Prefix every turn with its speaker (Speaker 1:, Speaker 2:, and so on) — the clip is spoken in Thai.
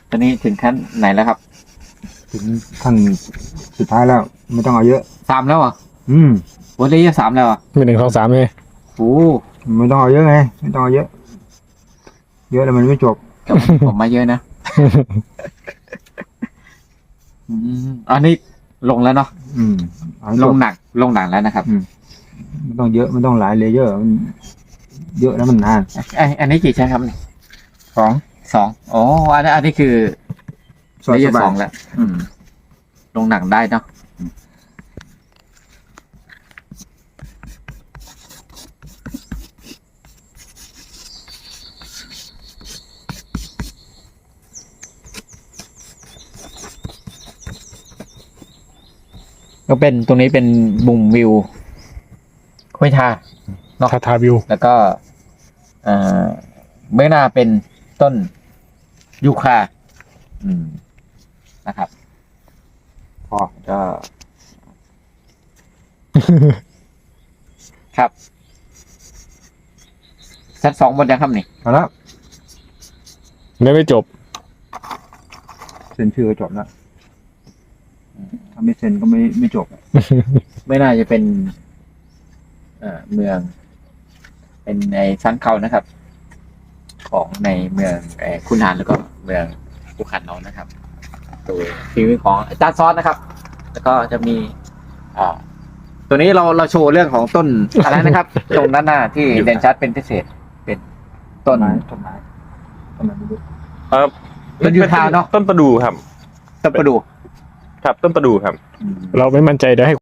Speaker 1: ตอนนี้ถึงขั้นไหนแล้วครับ
Speaker 2: ถึงขั้นสุดท้ายแล้ว ไม่ต้องเอาเยอะ
Speaker 1: 3แล้วอ่ะ วันนี้จะ3แล้วอ่ะ
Speaker 3: มี1 2 3เลย
Speaker 1: โอ้
Speaker 2: ไม่ต้องเอาเยอะไงไม่ต้องเอาเยอะ เยอะแล้วมันไม่จบ
Speaker 1: แต่ผมมาเยอะนะ อันนี้ลงแล้วเนาะ
Speaker 2: เอาให้
Speaker 1: ล
Speaker 2: จ
Speaker 1: ง
Speaker 2: บ
Speaker 1: หนักแล้วนะครับ
Speaker 2: ไม่ต้องเยอะไม่ต้องหลายเลเยอร์มันเยอะแล้วมันนาน
Speaker 1: อันนี้กี่ชั้นครับ
Speaker 2: สอง
Speaker 1: 2อ๋ออันนี้คือ
Speaker 2: สบาย
Speaker 1: เลเยอร์
Speaker 2: สบาย
Speaker 1: 2แล้วลงหนักได้เนาะก็เป็นตรงนี้เป็นมุมวิวห้วยทา เนาะ
Speaker 3: ทาวิว
Speaker 1: แล้วก็เบื้องหน้าเป็นต้นยูคานะครับ พอก็ ครับชั้น2หมดยังครับนี่
Speaker 2: เอาละ
Speaker 3: ไม่จบ
Speaker 2: เซ็นชื่อก็จบแล้วถ้าไม่เซ็นก็ไม่จบ
Speaker 1: ไม่น่าจะเป็นเมือง เป็นในชั้นเขานะครับ ของในเมืองคุนหารแล้วก็เมืองภูขันน้องนะครับโดยฝีมือของอาจารย์ซอสนะครับ แล้วก็จะมีตัวนี้เราโชว์เรื่องของต้น อะไรนะครับ ตรงด้านหน้าที่เด่นชัดเป็นพิเศษ เป็นต้น
Speaker 2: ต้นไม้ไม่รู้
Speaker 1: ต้นยูคาเนาะ
Speaker 4: ต้นประดู่ครับ
Speaker 1: ต้นประดู่
Speaker 4: ครับต้นประดู่ครับ
Speaker 3: เราไม่มั่นใจเดี๋ยวให้